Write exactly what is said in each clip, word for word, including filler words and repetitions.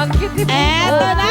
Ang cute ni Eto na!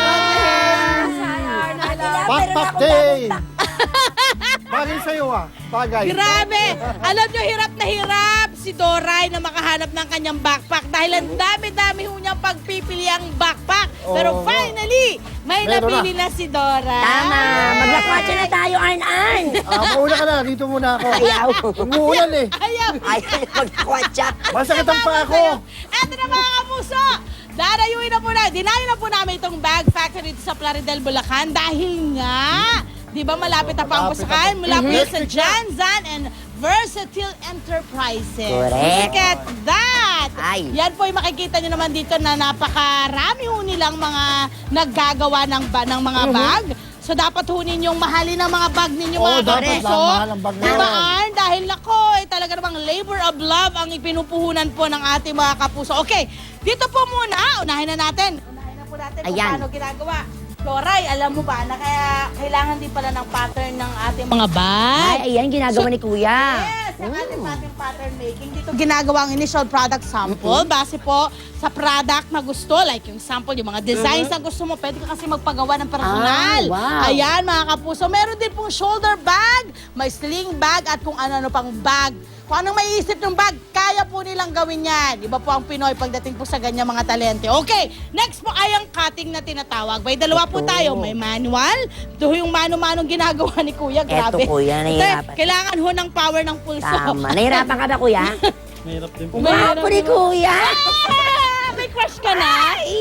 Backpack day! Bagay sa'yo ah. Bagay. Grabe! Alam nyo, hirap na hirap si Doray na makahanap ng kanyang backpack dahil ang dami-dami ho niyang pagpipili ang backpack. Pero Oo. finally, may Meron napili na. si Doray. Tama. Maglakwatsa na tayo, Arn-Arn. Ah, mauna ka na. Dito muna ako. Ayaw. Umuulan eh. Ayaw! Ayaw na maglakwatsa. Masakit ang paa ko. Eto na mga kapuso! Dadayuin na po na, dinayo na po namin itong bag factory dito sa Plaridel, Bulacan dahil nga, di ba malapit na pa ang Malapit pusakan na. mula po Mhm. sa Janzan and Versatile Enterprises. Correct. Look at that! Ay. Yan po yung makikita nyo naman dito na napakarami ho nilang mga naggagawa ng, ba, ng mga bag. So dapat ho ninyong mahalin ang mga bag ninyo Oo, mga dapat kapuso. lang mahal ang bag na Diba, yan. Arn? Dahil nako, eh, talaga namang labor of love ang ipinupuhunan po ng ating mga kapuso. Okay, dito po muna, unahin na natin. Unahin na po natin kung Ayan. paano ginagawa. Doray, alam mo ba na kaya kailangan din pala ng pattern ng ating mga bag? Ay, ayan, ginagawa So- ni Kuya. Yes, ang ating ating pattern making. Dito ginagawa ang initial product sample base po sa product na gusto. Like yung sample, yung mga designs na gusto mo. Pwede ka kasi magpagawa ng personal. Ah, wow. Ayan mga kapuso. Meron din pong shoulder bag, may sling bag at kung ano-ano pang bag. Kung anong maiisip ng bag, kaya po nilang gawin yan. Iba po ang Pinoy pagdating po sa ganyan mga talente. Okay, next po ay ang cutting na tinatawag. May dalawa po Ito. tayo. May manual. Ito yung mano-manong ginagawa ni Kuya. Grabe. Eto, Kuya, Ito, nahihirapan. kailangan ho ng power ng pulso. Tama. Nahirapan ka ba, Kuya? Mahirap din po. Guwapo ni Kuya. Ah, may crush ka na?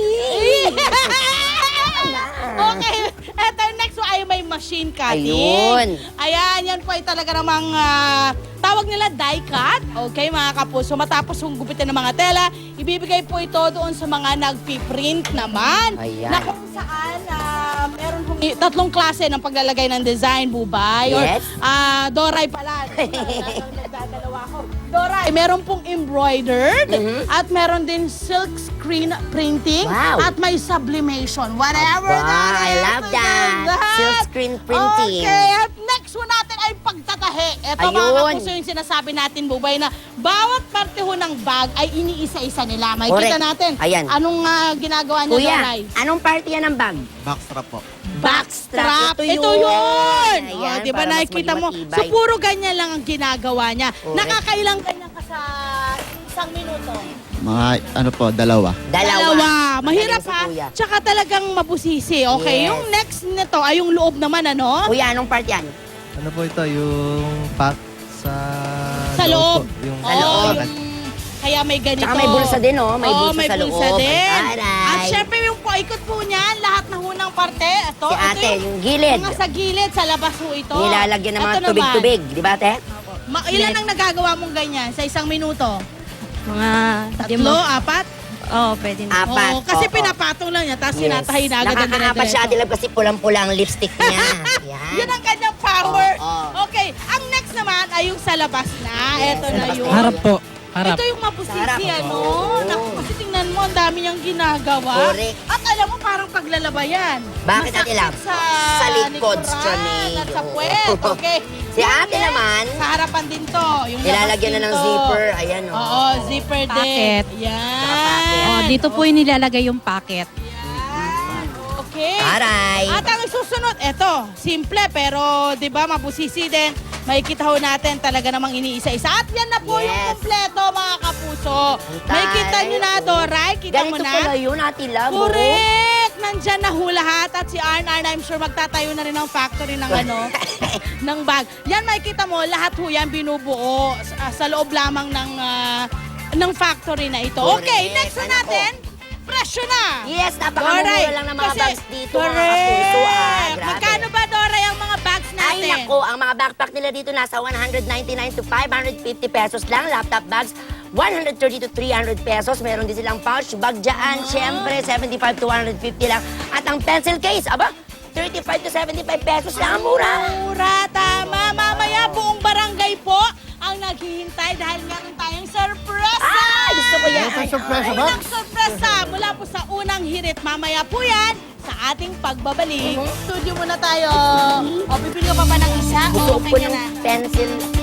Okay, eto next po ay may machine cutting. Ayun. Ayan, yan po ay talaga namang ah, tawag nila die cut. Okay, mga kapuso. Matapos yung gupitin ng mga tela, ibibigay po ito doon sa mga nagpiprint naman. Ayan. Na kung saan ah, meron hong tatlong klase ng paglalagay ng design, bubay. Yes. Or ah, Doray pala. Nagdadalawa ako. Doray, meron pong embroidered at meron din silk screen printing Wow. at may sublimation. Whatever Aba, that I is. love that. Silk screen printing. Okay, at next one natin ay pagtatahi. Ito mga Ayun. kapuso yung sinasabi natin, Bubay, na bawat parte ho ng bag ay iniisa-isa nila. May Correct. kita natin. Ayan. Anong ah, ginagawa niya, Kuya, Doray? anong party yan ng bag? Backstrap po. Backstrap. Ito Ito yun. yun. Ayan, Oh, di ba para mas nakikita maging mo? matibay. So, puro ganyan lang ang ginagawa niya. Correct. Nakakailang ganyan ka sa isang minuto? Mga ano po, dalawa. Dalawa. Mahirap Magaling si ha. Kuya. Tsaka talagang mabusisi. Okay, Yes. yung next nito ay yung loob naman, ano? Kuya, anong part yan? Ano po ito, yung pack sa... Sa loob. po. Yung Sa Oo, loob. yung- kaya may ganito. Tsaka may bulsa din, oh. May Oo, bulsa may sa loob. bulsa din. Aray. At syempre yung paikot po niyan, lahat na hunang parte. Ito, Si ito ate, yung gilid. Mga sa gilid, sa labas ho ito. Nilalagyan ng mga Ito naman. tubig-tubig. Di ba, ate? Ma ilan ang nagagawa mong ganyan sa isang minuto? Mga Tatlo, apat? Oo, pwede na. Apat. Oo, kasi Oo. pinapatong lang niya, tapos Yes. sinatahi na agad ang Nakakaapat siya, ate Love, kasi pulang-pula ang lipstick niya. Yan. Yun ang kanyang power. Oo. Okay, ang next naman ay yung sa labas na. Ito na labas yun. na. Harap po. Harap. Ito yung mapusisi, Sa harap. ano? Oo. Naku, kasi tingnan mo, ang dami niyang ginagawa. Correct. At alam mo, parang paglalaba yan. Bakit, Ate Masakit Love? Sa, Sa likod, likuran Johnny. At sa puwet, okay? Si Yan, ate yan. naman, Sa harapan din to. Yung nilalagyan na labas ng din to. zipper. Ayan, oh. Oo, zipper din. Packet. Yan. Saka packet. Oh, dito po yung nilalagay yung packet. Yan. Okay. Aray. At ang susunod, eto, simple pero 'di ba mabusisi din. Makikita ho natin talaga namang iniisa-isa. At yan na po Yes. yung kompleto mga kapuso. Ang May kita nyo na, taray. Doray. Kita mo Ganito na. pala yun, ate Love. oh. Correct! Nandyan na ho lahat. At si Arn Arn, I'm sure magtatayo na rin ng factory ng ano, ng bag. Yan makikita mo, lahat ho yan binubuo sa, sa loob lamang ng, ah, ng factory na ito. Correct. Okay, next na Ano natin. Presyo na! Yes, napakamura Doray, lang ng mga kasi- bags dito, mga Correct. kapuso. Ah, grabe. Magkano ba, Doray, ang mga bags natin? Ay, nako, ang mga backpack nila dito nasa one ninety-nine to five fifty pesos lang. Laptop bags, one thirty to three hundred pesos. Meron din silang pouch bag dyan. Siyempre, seventy-five to one fifty lang. At ang pencil case, aba, thirty-five to seventy-five pesos lang. Ang mura. Mura, tama. Mamaya buong barangay po ang naghihintay dahil meron tayong surprise! Ay, gusto ko yan. May surprise ba? Unang sorpresa mula po sa unang hirit. Mamaya po yan sa ating pagbabalik. Studio muna tayo. O, pipili ka pa ba ng isa? Gusto O, ko okay ka ng na? pencil